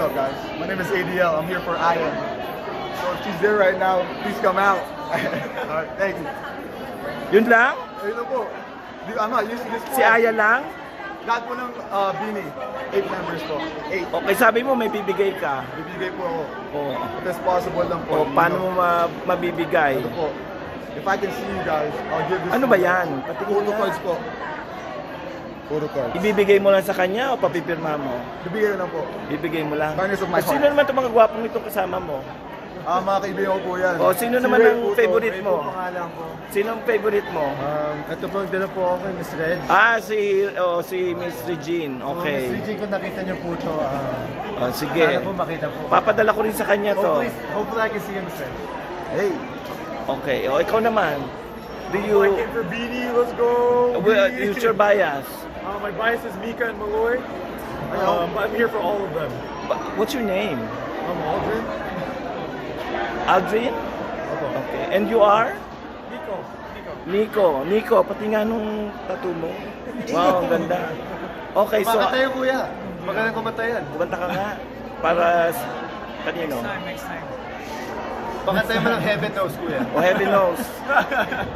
What's up, guys? My name is ADL. I'm here for Aya. So if she's there right now, please come out. Alright, thank you. Yun lang? Ayun na po. I'm not used to this Si Aya lang? Lahat po ng Bini. 8 members po. 8. Okay, sabi mo may bibigay ka. Bibigay po ako. Oh. If it's possible lang po. O, paano mo mabibigay? Ito po. If I can see you guys, I'll give this. Ano ba yan? Patingin Photo nga. cards po. Photo cards. Ibibigay mo lang sa kanya o papipirma mo? Bibigay lang po. Bibigay mo lang. Kindness of my Sino heart. naman itong mga gwapong itong kasama mo? Mga kaibigan ko po yan. O, sino naman Ray ang po to. favorite Ray mo? po pangalan ko. Sino ang favorite mo? Ito po, dala po ako kay Miss Red. Si Miss Regine. Okay. Miss Regine, kung nakita niyo po ito, Sige. sana po makita po. Papadala ko rin sa kanya to. Hopefully I can see him, Miss Red. Hey! Okay. O, ikaw naman. Do you... for Bini, let's go! Use your bias. My bias is Mika and Malloy. But I'm here for all of them. What's your name? I'm Aldrin. Aldrin? Okay. And you are? Nico. Nico, pati nga nung tattoo mo. Wow, ang ganda. Okay, so... Makatayo, kuya. Magaling kumatayan. Kumanta ka nga. Para... Kanino? Next time. Pakatayo mo ng heaven knows, kuya. O heaven knows.